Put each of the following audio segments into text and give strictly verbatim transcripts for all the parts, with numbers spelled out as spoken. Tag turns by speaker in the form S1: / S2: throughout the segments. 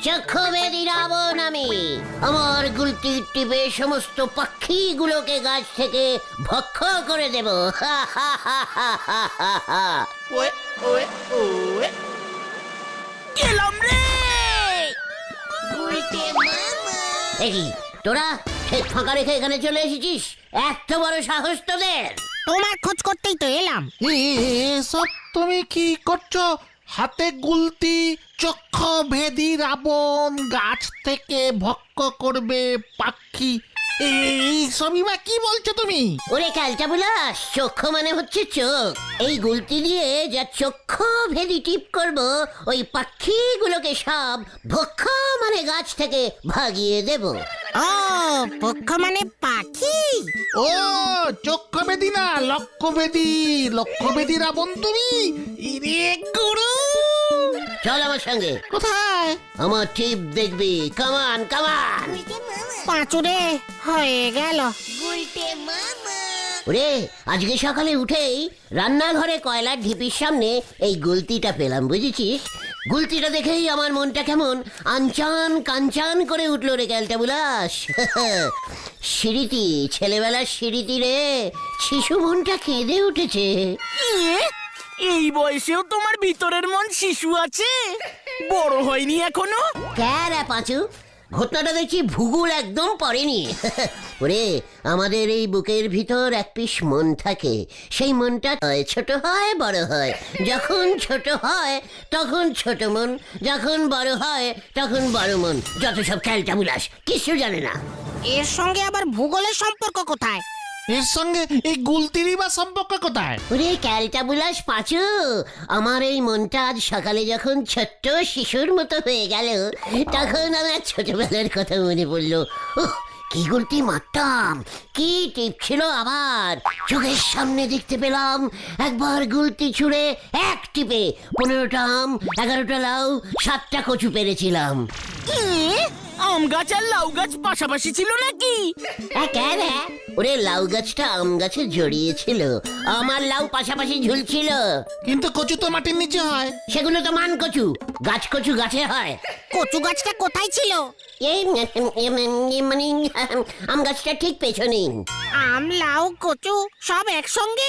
S1: চক্ষুভেদী রাবণ আমি। আমার গুলতির টিপে সমস্ত পাখিগুলোকে গাছ থেকে ভক্ষ করে দেব। হা হা হা হা হা হা হা।
S2: ওয়ে ওয়ে ওয়ে গেলাম রে।
S1: এই তোরা ঠিক ফাঁকা রেখে এখানে চলে এসেছিস? এত বড় সাহস তোদের?
S3: তোমার খোঁজ করতেই তো এলাম।
S4: এসব তুমি কি করছো? হাতে গুলতি, চক্ষু ভেদি রাবণ, গাছ থেকে ভক্ষ করবে পাখি, এই সবই বা কি বলছো তুমি?
S1: ওরে ক্যালটা বুলাস, চক্ষু মানে হচ্ছে চোখ। এই গুলতি দিয়ে যা চক্ষু ভেদি টিপ করব, ওই পাখিগুলোকে সব ভক্ষ মানে গাছ থেকে ভাগিয়ে দেব।
S3: ও পক্ষ মানে পাখি।
S4: ও চক্ষু ভেদি না, লক্ষ্য ভেদি। লক্ষ্য ভেদি রাবণ তুমি? ইরে গুরু,
S1: চল আমার সঙ্গে।
S4: কোথায়?
S1: আমার টিপ দেখবি। কামান কামান।
S3: পাঁচুরে হয়ে গেল।
S1: ওরে আজকে সকালে উঠেই রান্নাঘরে কয়লার ঢিপির সামনে এই গুলতিটা পেলাম, বুঝেছিস? গুলতিটা দেখেই আমার মনটা কেমন আনচান কাঞ্চান করে উঠলো রে ক্যালটা বুলাস। সিঁড়িটি, ছেলেবেলার সিঁড়িটি রে, শিশু মনটা কেঁদে উঠেছে।
S2: ইয়ে, এই বয়সেও তোমার ভিতরের মন শিশু আছে, বড় হয়নি এখনো?
S1: ক্যারা পাঁচু, ঘটনাটা দেখছি ভূগোল একদম পড়েনি। ওরে আমাদের এই বুকের ভিতর এক পিস মন থাকে, সেই মনটা হয় ছোট হয় বড় হয়। যখন ছোট হয় তখন ছোট মন, যখন বড় হয় তখন বড় মন। যত সব ক্যালটা বুলাস, কিছু জানে না।
S3: এর সঙ্গে আবার ভূগোলের সম্পর্ক কোথায়?
S4: এর সঙ্গে এই গুলতিরই বা সম্পর্ক কোথায়?
S1: ওরে ক্যালটা বুলাস পাঁচু, আমার এই মনটা আজ সকালে যখন ছোট্ট শিশুর মতো হয়ে গেল, তখন আমার ছোটবেলার কথা মনে পড়লো। উহ, কি গুলতি মারতাম, কি টিপ ছিল আবার। চোখের সামনে দেখতে পেলাম একবার গুলতি ছুঁড়ে এক টিপে পনেরোটা আম, এগারোটা লাউ, সাতটা কচু পেরেছিলাম।
S2: ইয়ে, আম গাছ আর লাউ গাছ পাশাপাশি ছিল নাকি?
S1: ওরে লাউ গাছটা আম গাছে জড়িয়েছিল, আমার লাউ পাশাপাশি ঝুলছিল।
S4: কিন্তু কচু তো মাটির নিচে হয়।
S1: সেগুলো তো মান কচু, গাছ কচু গাছে হয়।
S3: কচু গাছটা কোথায় ছিল?
S1: এই মানে আম গাছটা ঠিক পেছনে।
S3: আম লাউ কচু সব একসঙ্গে?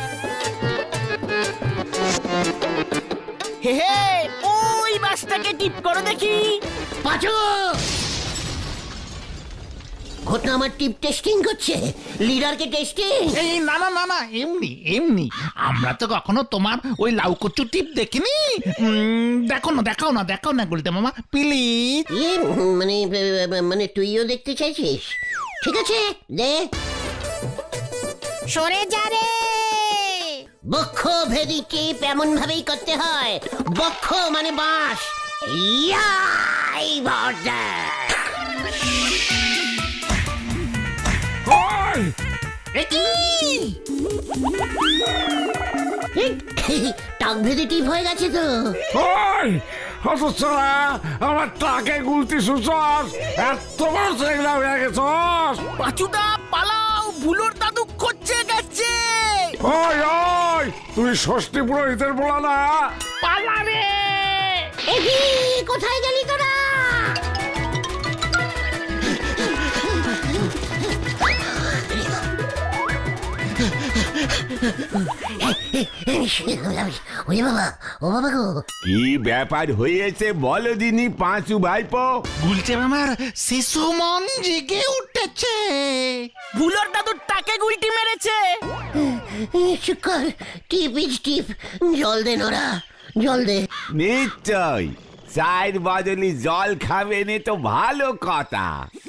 S2: হে হে, ওই বাসটাকে টিপ করো দেখি।
S1: পাঁচু, ঘটনা আমার টিপ টেস্টিং করছে, লিডারকে টেস্টিং।
S4: এই না না না না, এমনি এমনি। আমরা তো কখনো তোমার ওই লাউ কচু টিপ দেখিনি। উম, দেখো না দেখাও না দেখাও না গুলতে মামা প্লিজ।
S1: ইয়ে মানে মানে তুইও দেখতে চাইছিস? ঠিক আছে দে।
S3: সরে যা রে।
S1: বক্ষ ভেদি টিপ এমন ভাবেই করতে হয়। বক্ষ মানে বাঁশ। ইয়াই বর্দা। টাক ভেদি টিপ হয়ে গেছে তো।
S5: ওই হতচ্ছাড়া, আমার টাকে গুলতি সুচস, এত বড় ছেলেগুলা হয়ে গেছস।
S2: পাঁচুদা পালাও, ভুলোর দাদু খচ্ছে গেছে।
S5: ওই ওই, তুই ষষ্ঠী পুরোহিতের বলা না?
S2: পালা রে।
S1: এগি, কোথায় গেলি তোরা? ওরে বাবা, ও বাবা গো।
S6: কি ব্যাপার হয়েছে বলো দিনি পাঁচু ভাইপো?
S4: গুলতে মামার শিশু মন জেগে উঠেছে।
S2: ভুলোর দাদুর টাকে গুলটি মেরেছে।
S1: শুকর টিপ ইজ টিপ, জল দে নোরা, জল দে।
S6: নিশ্চয়, চায়ের বদলি জল খাবে নে তো ভালো কথা।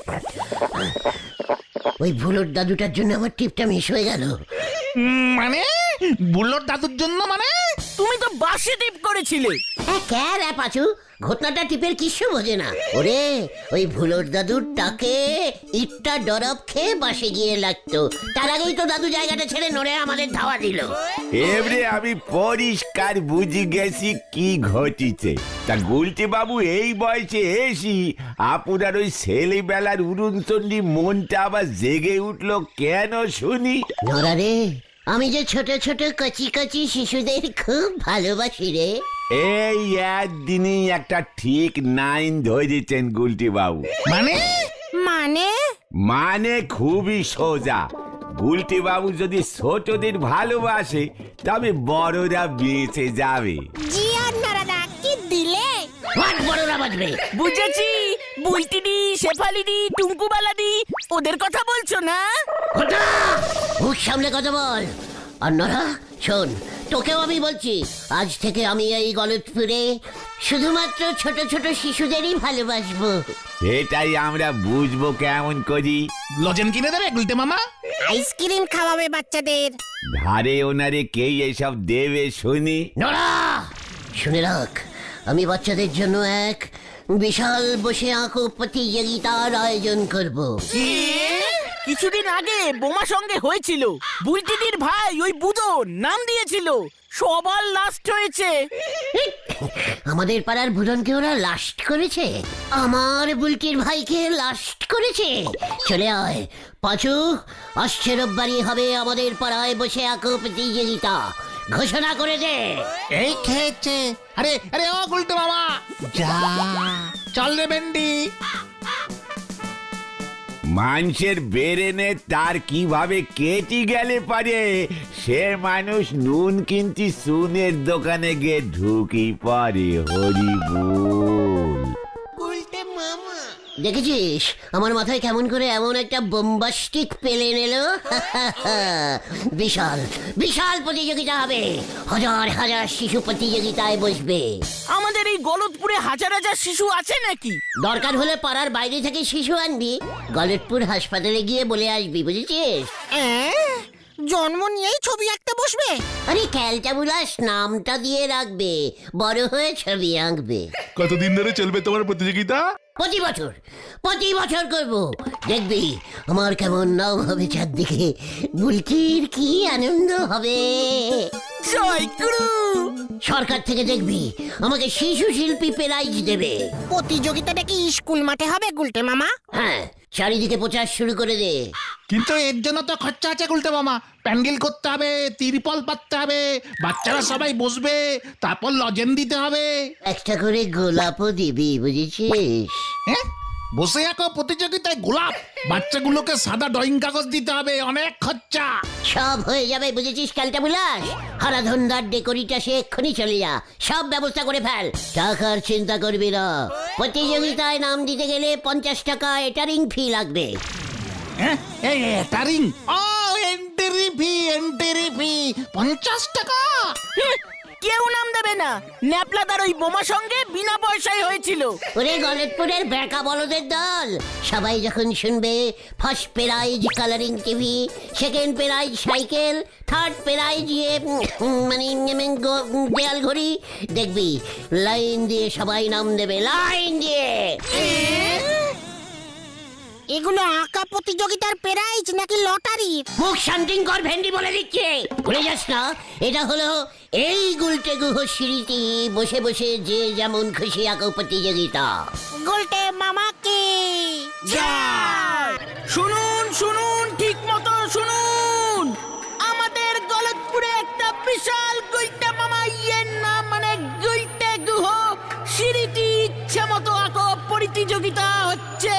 S1: ওই ভুলোর দাদুটার জন্য আমার টিপটা মিস হয়ে গেল।
S4: উম, মানে বুলোর দাদুর জন্য মানে?
S2: তুমি তো বাসে টিপ করেছিলে।
S1: হ্যাঁ ক্যার পাচু, ঘটনাটা টিপের কিছু বোঝে না। ওরে ওই ভুলোর দাদুর টাকে ইটটা ডরব খেয়ে বাসে গিয়ে লাগতো, তার আগেই তো দাদু জায়গাটা ছেড়ে নড়ে আমাদের ধাওয়া দিল।
S6: এবারে আমি পরিষ্কার বুঝে গেছি কি ঘটিছে। তা গুলটি বাবু এই বয়সে এসি আপনার ওই ছেলেবেলার উড়নচণ্ডী মনটা আবার জেগে উঠলো কেন শুনি?
S1: নড়া রে, আমি যে ছোট ছোট কচি কচি শিশুদের খুব ভালোবাসি রে।
S6: এই একদিনই একটা ঠিক নাইন ধরেছেন গুলটি বাবু।
S4: মানে
S3: মানে
S6: মানে খুবই সোজা, গুলটি বাবু যদি ছোটদের ভালোবাসে তবে বড়রা বেঁচে যাবে।
S3: জি আর নারাদা কি দিলে?
S1: হোয়াট বড়রা বাজবে?
S2: বুঝেছি, বুলটিদি, শেফালিদি, টুঙ্কুবালাদি ওদের কথা বলছো না?
S1: ওটা মুখ সামলে কথা বল। আর নরা শোন, তোকেও আমি বলছি, আজ থেকে আমি এই গলতপুরে শুধুমাত্র ছোট ছোট শিশুদেরই ভালোবাসবো।
S6: এটাই আমরা বুঝবো কেমন করি?
S4: লজেন কিনে দেবে গুলটে মামা?
S3: আইসক্রিম খাওয়াবে বাচ্চাদের।
S6: ধারে ওনারে কে এসব দেবে শুনি?
S1: নরা শুনে রাখ, আমি বাচ্চাদের জন্য এক বিশাল বসে আঁকো প্রতিযোগিতার আয়োজন করব।
S2: কিছুদিন আগে বোমা সঙ্গে হয়েছিল, বুলটিদির ভাই ওই বুদো নাম দিয়েছিল, সবার লাস্ট হয়েছে।
S1: আমাদের পাড়ার ভুরনকে ওরা লাস্ট করেছে, আমার বুলটির ভাইকে লাস্ট করেছে। চলে আয় পাঁচু, আসছে রোববারই হবে আমাদের পাড়ায় বসে আঁকো প্রতিযোগিতা, ঘোষণা করে দে।
S4: এই খেয়েছে। আরে আরে ও গুলটে মামা, যা চল রে ভেন্ডি।
S6: মানুষের বেরেনে তার কিভাবে কেটে গেলে পারে, সে মানুষ নুন কিনতি সুনের দোকানে গিয়ে ঢুকি পারে। হরি বল।
S1: দেখেছিস আমার মাথায় কেমন করে এমন একটা বোম্বাস্টিক পেলে এলো? বিশাল বিশাল প্রতিযোগিতা হবে, হাজার হাজার শিশু প্রতিযোগিতায় বসবে।
S2: আমাদের এই গলতপুরে হাজার হাজার শিশু আছে নাকি?
S1: দরকার হলে পাড়ার বাইরে থেকে শিশু আনবি, গলতপুর হাসপাতালে গিয়ে বলে আসবি, বুঝেছিস?
S3: এ্যাঁ, জন্ম নিয়েই ছবি আঁকতে বসবে?
S1: আরে ক্যালটাবুলাস নামটা দিয়ে রাখবে, বড় হয়ে ছবি আঁকবে।
S7: কতদিন ধরে চলবে তোমার প্রতিযোগিতা?
S1: প্রতি বছর প্রতি বছর করব, দেখবি আমার কেমন নাম হবে চারদিকে, বুলটির কি আনন্দ হবে।
S2: জয় গুরু।
S1: সরকার থেকে দেখবি আমাকে শিশু শিল্পী প্রাইজ দেবে।
S3: প্রতিযোগিতাটা কি স্কুল মাঠে হবে গুলটে মামা?
S1: হ্যাঁ, চারিদিকে প্রচার শুরু করে দে।
S4: কিন্তু এর জন্য তো খরচা আছে গুলটে মামা। প্যান্ডেল করতে হবে, তিরপল পাততে হবে, বাচ্চারা সবাই বসবে, তারপর লজেন দিতে হবে।
S1: একটা করে গোলাপও দিবি, বুঝেছিস?
S4: হ্যাঁ, বসে আঁকো প্রতিযোগিতায় গোলাপ, বাচ্চাগুলোকে সাদা ড্রয়িং কাগজ দিতে হবে, অনেক খরচা।
S1: সব হয়ে যাবে, বুঝেছিস ক্যালটাবুলাস? হারাধন্দার ডেকোরিটা সে এক্ষুনি চলে যা, সব ব্যবস্থা করে ফেল, টাকার চিন্তা করবি না। প্রতিযোগিতায় নাম দিতে গেলে পঞ্চাশ টাকা এটারিং ফি লাগবে।
S4: হ্যাঁ, এই এটারিং, ও এন্ট্রি ফি, এন্ট্রি ফি পঞ্চাশ টাকা।
S2: হুঁ, কেউ নাম দেবে না, ন্যাপলাদার ওই বোমা সঙ্গে বিনা পয়সায় হয়েছিল।
S1: ওরে গলতপুরের বেকা বলদের দল, সবাই যখন শুনবে first prize colouring TV, second prize cycle, third prize ইয়ে উম, মানে উম, গ- দেয়াল ঘড়ি, দেখবি লাইন দিয়ে সবাই নাম দেবে, লাইন দিয়ে।
S3: এগুলো আঁকা প্রতিযোগিতার প্রাইজ নাকি লটারি?
S1: মুখ শান্তিং কর, ভেন্ডি বলে দিচ্ছে, ভুলে যাস না এটা হলো এই গুলটে গুহ সিঁড়িটি বসে বসে যে যেমন খুশি আঁকো প্রতিযোগিতা।
S3: গুলটে মামাকে
S2: জয়। শুনুন শুনুন, ঠিক মতো শুনুন, আমাদের গলতপুরে একটা বিশাল গুলটে মামা ইয়ের নাম মানে গুলটে গুহ সিঁড়িটি ইচ্ছে মতো আঁকো প্রতিযোগিতা হচ্ছে।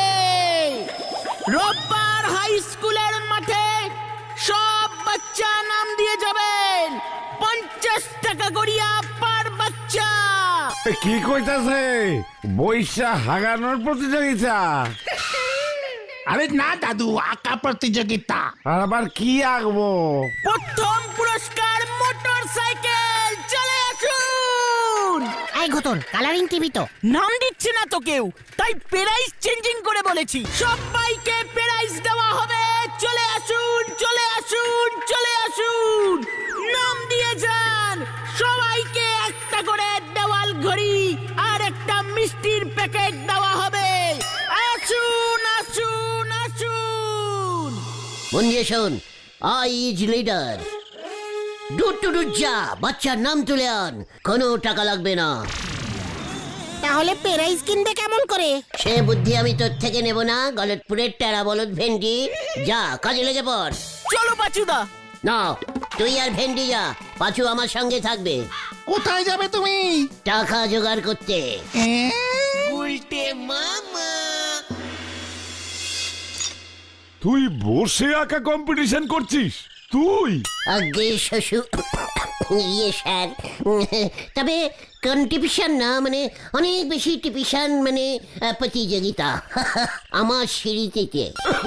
S2: রোববার হাই স্কুলের মাঠে সব বাচ্চা নাম দিয়ে যাবেন, পঞ্চাশ টাকা করিয়া পার বাচ্চা।
S5: এ কি কইতাছে? বৈশা হাগানোর প্রতিযোগিতা?
S4: আরে না দাদু, আঁকা প্রতিযোগিতা।
S5: আর আবার কি আঁকবো?
S2: প্রথম পুরস্কার মোটর সাইকেল, চলে আসুন।
S3: এই ঘটন কালারিং টিভি তো।
S2: নাম দিচ্ছে না তো কেউ, তাই প্রাইস চেঞ্জিং করে বলেছি, সবাইকে প্রাইস দেওয়া হবে। চলে আসুন চলে আসুন চলে আসুন, নাম দিয়ে যান। সবাইকে একটা করে দেওয়াল ঘড়ি আর একটা মিষ্টির প্যাকেট দেওয়া হবে। আসুন আসুন আসুন।
S1: মন দিয়ে শোন, আই ইজ লিডার। দূর টু দূর যা, বাচ্চার নাম তুলে আন, কোনো টাকা লাগবে না।
S3: তাহলে প্রাইজ কিনবে কেমন করে?
S1: সে বুদ্ধি আমি তোর থেকে নেব না, গলতপুরের টেরা বলদ ভেন্ডি, যা কাজে লেগে পড়।
S2: চলো পাচুদা।
S1: না, তুই আর ভেন্ডি যা, পাঁচু আমার সঙ্গে থাকবে।
S4: কোথায় যাবে তুমি?
S1: টাকা জোগাড় করতে।
S5: তুই বসে আঁকা কম্পিটিশন করছিস তুই?
S1: আগে শ্বশুর ইয়ে স্যার, তবে কন্ট্রিবিউশন না, মানে অনেক বেশি টিপিশন, মানে আহ, প্রতিযোগিতা আমার সিঁড়িতে।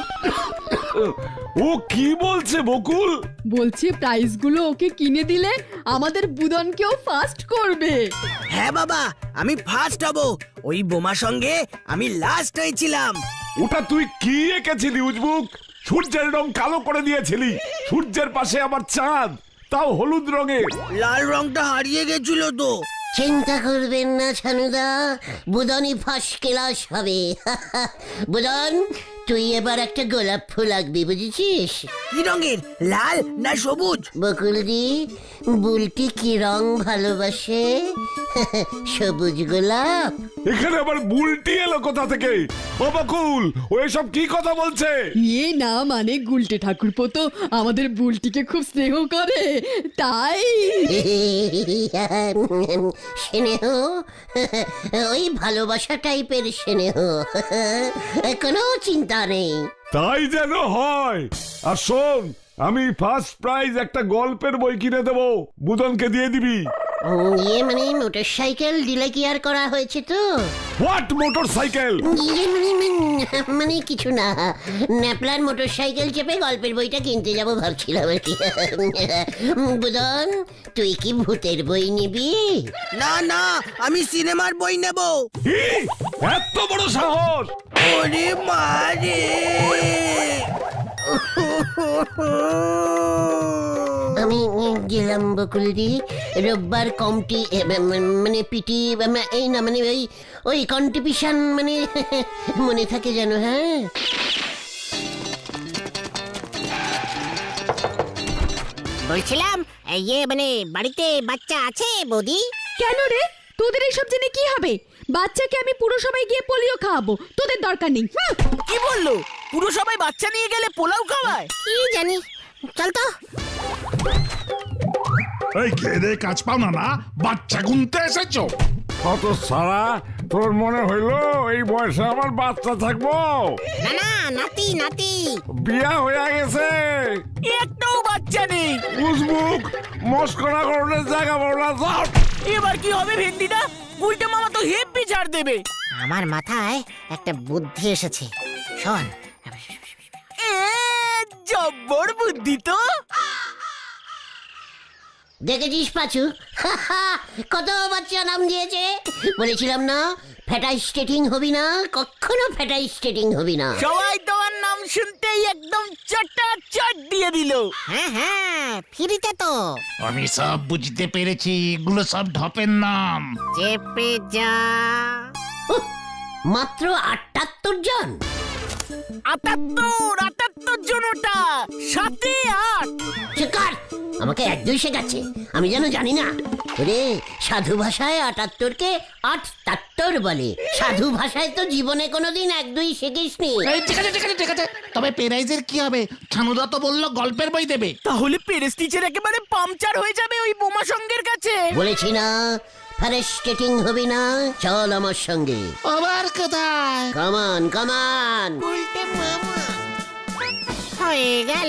S5: ও কি বলছে বকুল?
S8: বলছে প্রাইজগুলো ওকে কিনে দিলে আমাদের বুদনকেও ফার্স্ট করবে।
S2: হ্যাঁ বাবা, আমি ফার্স্ট হব। ওই বোমা সঙ্গে আমি লাস্ট হয়েছিলাম।
S5: ওটা তুই কি এঁকেছিলি উজবুক? সূর্যের রং কালো করে দিয়েছিলি, সূর্যের পাশে আবার চাঁদ, তাও হলুদ রঙের।
S2: লাল রংটা হারিয়ে গেছিল তো।
S1: চিন্তা করবেন না ছানুদা, বুদনই ফার্স্ট ক্লাস হবে। বুদন, তুই এবার একটা গোলাপ ফুল আঁকবি, বুঝেছিস?
S2: কি রঙের, লাল না সবুজ?
S1: বকুলদি, বুলটি কি রং ভালোবাসে? সবুজ গোলাপ।
S5: এখানে আবার বুলটি এলো কোথা থেকে? ও বকুল, ও এসব কি কথা বলছে?
S8: ইয়ে না, মানে গুলটে ঠাকুরপো তো আমাদের বুলটিকে খুব স্নেহ করে, তাই।
S1: স্নেহ, ওই ভালোবাসা টাইপের স্নেহ, কোনো চিন্তা নেই।
S5: তাই যেন হয়। আর শোন, আমি ফার্স্ট প্রাইজ একটা গল্পের বই কিনে দেবো, বুদনকে দিয়ে দিবি।
S1: উম, ইয়ে মানে মোটর সাইকেল দিলে কি আর করা হয়েছে তো?
S5: What motorcycle?
S1: ইয়ে মানে মানে- মানে কিছু না, ন্যাপলার মোটর সাইকেল চেপে গল্পের বইটা কিনতে যাব ভাবছিলাম আর কি। বুদন, তুই কি ভূতের বই নিবি?
S2: না না, আমি সিনেমার বই নেব।
S5: এত বড় সাহস!
S2: ওরে মারে!
S1: আমি গেলাম বকুলদি, রোববার কমটি এ, ম- মানে পিটি বা- এই না, মানে ওই ওই কন্ট্রিবিউশন, মানে মনে থাকে যেন। হ্যাঁ,
S3: বলছিলাম ইয়ে মানে বাড়িতে বাচ্চা আছে বৌদি?
S8: কেন রে, তোদের এইসব জেনে কি হবে? বাচ্চাকে আমি পুরসভায় গিয়ে পোলিও খাওয়াবো, তোদের দরকার নেই। হুঁ।
S2: কি বললো? পুরো সবাই বাচ্চা নিয়ে গেলে পোলাও খাওয়ায়?
S3: কি জানি, চল তো।
S7: এই খেয়ে দে কাজ পাও না না, বাচ্চা গুনতে এসেছো?
S5: কত সারা, তোর মনে হইলো এই বয়সে আমার বাচ্চা থাকবো?
S3: না না, নাতি নাতি।
S5: বিয়া হয়ে গেছে।
S2: একটাও বাচ্চা নেই।
S5: উজবুক, মস্করা করলে জায়গা বড় না। যাও।
S2: এবার কি হবে ভেন্ডিটা? উল্টে মামা তো হেব্বি ছাড় দেবে।
S3: আমার মাথায় একটা বুদ্ধি এসেছে, শোন।
S2: এ, জব্বর বুদ্ধি তো।
S1: দেখেছিস পাচু, কত বাচ্চা নাম দিয়েছে। বলেছিলাম না, ফ্যাটাই স্টেটিং হবি না, কখনো ফ্যাটাই স্টেটিং হবি না।
S2: সবাই তোমার নাম শুনতেই একদম চটা চট দিয়ে দিল।
S3: হ্যাঁ হ্যাঁ, ফিরিতে তো।
S4: আমি সব বুঝতে পেরেছি, এগুলো সব ঢপের নাম।
S3: চেপে যা।
S1: উহ, মাত্র আটাত্তর জন।
S2: আটাত্তর আটাত্তর জনটা, সাথে আট।
S1: চিকার, আমাকে এক দুই শেখাচ্ছে, আমি যেন জানি না। রে, সাধু ভাষায় আটাত্তরকে আটাত্তর বলে। সাধু ভাষায় তো জীবনে কোনোদিন এক দুই শিখিসনি।
S4: এই, ঠিক আছে ঠিক আছে ঠিক আছে, তবে পেরাইজের কি হবে? ছানুদা তো বললো গল্পের বই দেবে।
S2: তাহলে পেরেস টিচার একেবারে পাংচার হয়ে যাবে ওই বোমা সঙ্গের কাছে।
S1: বলেছি না, ফ্যারেস্টেটিং হবি না, চল আমার সঙ্গে।
S4: আবার কোথায়?
S1: কামান কামান।
S3: হয়ে গেল।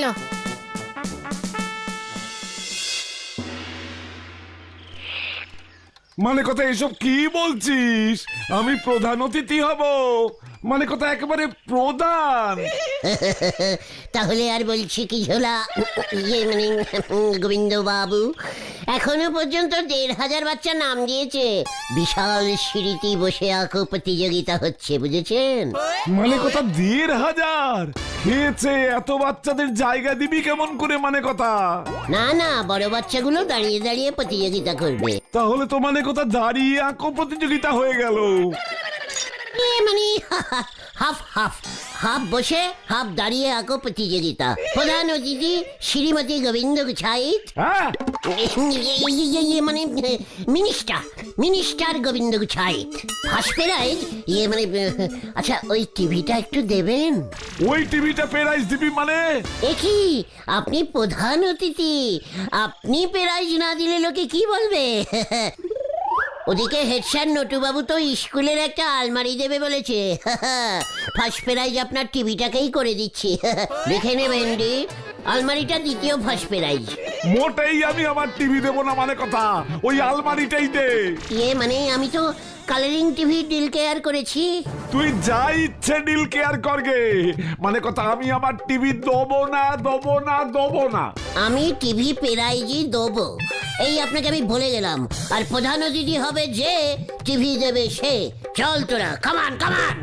S5: মানে কথা এসব কি বলছিস? আমি প্রধান অতিথি হব, মানে কথা একেবারে প্রধান।
S1: তাহলে আর বলছি কি ঝোলা, ইয়ে মানে গোবিন্দ বাবু, এখনো পর্যন্ত দেড় হাজার বাচ্চা নাম দিয়েছে। বিশাল সিঁড়িতে বসে আঁকো প্রতিযোগিতা হচ্ছে, বুঝেছেন?
S5: মানে কথা দেড় হাজার খেয়েছে, এত বাচ্চাদের জায়গা দিবি কেমন করে? মানে কথা
S1: না না, বড় বাচ্চাগুলো দাঁড়িয়ে দাঁড়িয়ে প্রতিযোগিতা করবে।
S5: তাহলে তো মানে কথা দাঁড়িয়ে আঁকো প্রতিযোগিতা হয়ে গেল।
S1: এ মানে হাফ হাফ হাফ বসে হাফ দাঁড়িয়ে আঁকো প্রতিযোগিতা। প্রধান অতিথি শ্রীমতী গোবিন্দ গুছাইত,
S5: হ্যাঁ,
S1: মানে minister minister Gobinda Guchhait. First prize, ইয়ে মানে আচ্ছা, ওই টিভিটা একটু দেবেন।
S5: ওই টিভিটা প্রাইজ দিবি মানে?
S1: এ কি, আপনি প্রধান অতিথি, আপনি প্রাইজ না দিলে লোকে কি বলবে? ওদিকে হেড স্যার নটুবাবু তো স্কুলের একটা আলমারি দেবে বলেছে। ফার্স্ট প্রাইজ আপনার টিভিটাকেই করে দিচ্ছি। দেখে নেবেন ডি, আলমারিটা দ্বিতীয় ফার্স্ট প্রাইজ।
S5: মোটেই আমি আমার টিভি দেবো না মানে কথা, ওই আলমারিটাই দে।
S1: ইয়ে মানে আমি তো কালারিং টিভি ডিল কেয়ার করেছি।
S5: তুই যা ইচ্ছে ডিল কেয়ার করগে, মানে কথা আমি আমার টিভি দেবো না দেবো না দেবো না।
S1: আমি টিভি প্রাইজই দেবো, এই আপনাকে আমি বলে গেলাম। আর প্রধান অতিথি হবে যে, টিভি দেবে সে। চল তোরা, কামান কামান।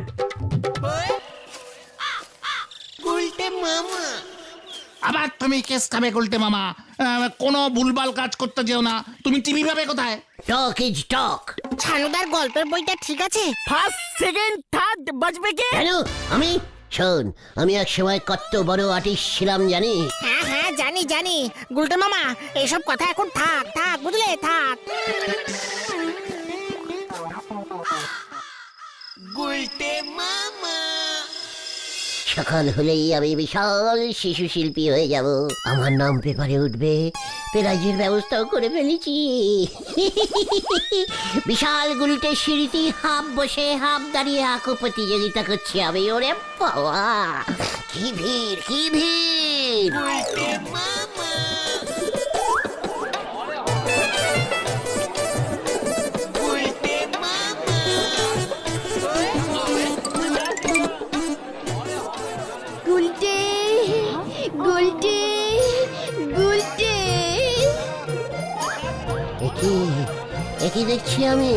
S4: আবার তুমি কেস খাবে গুলটে মামা। আহ, কোনো ভুলভাল কাজ করতে যেও না। তুমি টিভি পাবে কোথায়?
S1: টক ইজ টক।
S3: ছানুদার গল্পের বইটা ঠিক আছে?
S2: ফার্স্ট সেকেন্ড থার্ড বাজবে কে?
S1: কেন আমি? শোন, আমি এক সময় কত বড় আর্টিস্ট ছিলাম জানি।
S3: হ্যাঁ হ্যাঁ জানি জানি গুলটে মামা, এসব কথা এখন থাক থাক বুঝলে, থাক।
S1: সকাল হলেই আমি বিশাল শিশু শিল্পী হয়ে যাব। আমার নাম পেপারে উঠবে, প্রাইজের ব্যবস্থাও করে ফেলেছি। বিশাল গুলটে সিঁড়িতে হাফ বসে হাফ দাঁড়িয়ে আঁকো প্রতিযোগিতা করছি আমি। ওরে বাবা, কি ভিড় কি ভিড়!
S8: গুলটে গুলটে গুলটে।
S1: একই একই দেখছি আমি।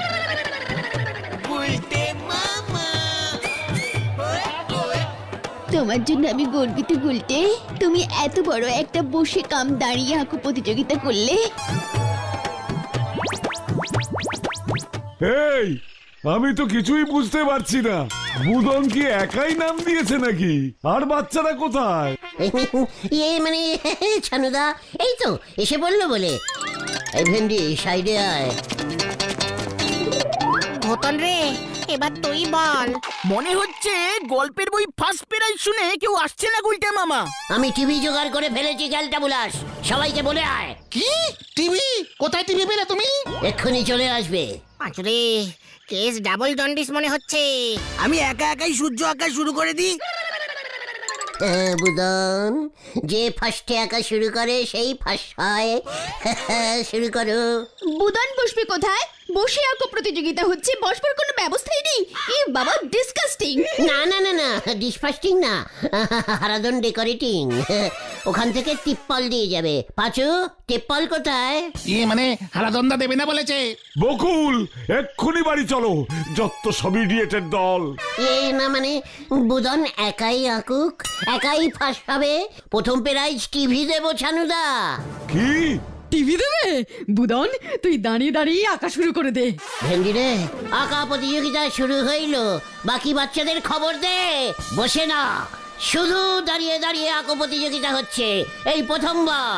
S8: তোমার জন্য আমি গর্বিত গুলটে। তুমি এত বড় একটা বসে কাম দাঁড়িয়ে আঁকো প্রতিযোগিতা করলে।
S5: এই, আমি তো কিছুই বুঝতে পারছি না, বুদন কি একাই নাম দিয়েছে নাকি? আর বাচ্চারা কোথায়?
S1: ইয়ে মানে ছানুদা এই তো এসে বললো বলে। এই ভেন্ডি সাইডে আয়।
S3: ঘটন রে, এবার তুই বল।
S2: মনে হচ্ছে গল্পের বই ফার্স্ট প্রাইজ শুনে কেউ আসছে না গুলটে মামা।
S1: আমি টিভি জোগাড় করে ফেলেছি, খেলটা বুলাস। সবাইকে বলে আয়।
S4: কি টিভি? কোথায় টিভি পেলে তুমি?
S1: এক্ষুনি চলে আসবে।
S3: পাঁচুরে, কেস ডাবল জন্ডিস মনে হচ্ছে।
S2: আমি একা একাই সূর্য আঁকা শুরু করে দিই।
S1: হ্যাঁ, বুদন, যে ফার্স্টে আঁকা শুরু করে সেই ফার্স্ট হয়। শুরু করো।
S8: বুদন বসবে কোথায়? বসে আঁকো প্রতিযোগিতা হচ্ছে, বসবার কোনো ব্যবস্থাই নেই। এ বাবা, ডিসকাস্টিং।
S1: না না না না, ডিসফাস্টিং না, হারাদন ডেকোরেটিং। ওখান থেকে টিপ্পল দিয়ে যাবে। পাঁচু, টিপ্পল কোথায়?
S4: ইয়ে মানে হারাদন্দা দেবে না বলেছে।
S5: বকুল, এক্ষুনি বাড়ি চলো, যত সব ইডিয়েটের দল।
S1: এ না মানে বুদন একাই আঁকুক, একাই ফার্স্ট হবে। প্রথম প্রাইজ টিভি দেবো ছানুদা।
S5: কি?
S8: টিভি দেবে? বুদন, তুই দাঁড়িয়ে দাঁড়িয়ে আঁকা শুরু করে দে।
S1: ভেন্ডি রে, আঁকা প্রতিযোগিতা শুরু হইল, বাকি বাচ্চাদের খবর দে। বসে না, শুধু দাঁড়িয়ে দাঁড়িয়ে আঁকো প্রতিযোগিতা হচ্ছে, এই প্রথমবার।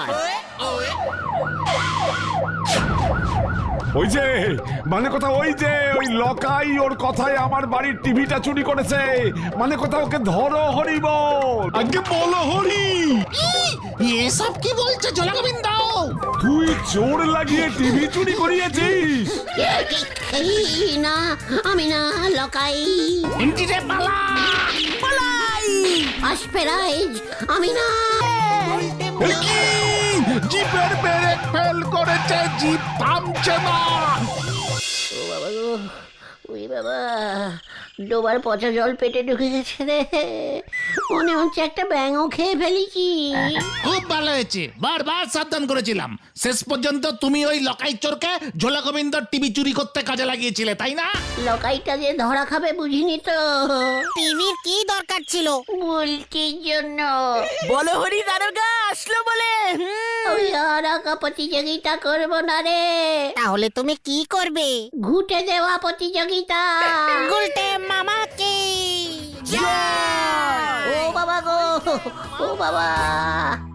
S5: ওই যে মানে কথা, ওই যে ওই লকাই ওর কথায় আমার বাড়ির টিভিটা চুরি করেছে। মানে কথা, ওকে ধরো হরিব। আগে বলো হরি।
S4: এসব কি বলছে জলা গোবিন্দ?
S5: তুই চোর লাগিয়ে টিভি চুরি করিয়েছিস?
S1: এ, কি- এই না, আমি না, লকাই।
S4: ইন্টিরে পালা
S2: পালাই।
S1: ফার্স্ট প্রাইজ আমি না।
S4: এ কি? জিপের ব্রেক ফেল করেছে, জিপ থামছে না।
S1: ও বাবা গো, ওই বাবা, ডোবার পচা জল পেটে ঢুকে গেছে রে। মনে হচ্ছে একটা ব্যাঙও খেয়ে ফেলেছি।
S4: খুব ভালো হয়েছে, বারবার সাবধান করেছিলাম। শেষ পর্যন্ত তুমি ওই লকাই চোরকে ঝোলা গোবিন্দর টিভি চুরি করতে কাজে লাগিয়েছিলে, তাই না?
S1: লকাইটা যে ধরা খাবে বুঝিনি তো।
S3: টিভির কি দরকার ছিল?
S1: বলটির জন্য।
S2: বলো হরি দারোগা আসলো বলে। হুম,
S1: ওই আর আঁকা প্রতিযোগিতা করবো না রে,
S3: তাহলে তুমি কি করবে?
S1: ঘুটে দেওয়া প্রতিযোগিতা।
S3: গুলটে মামাকে
S1: ও বাবা গো, ও বাবা।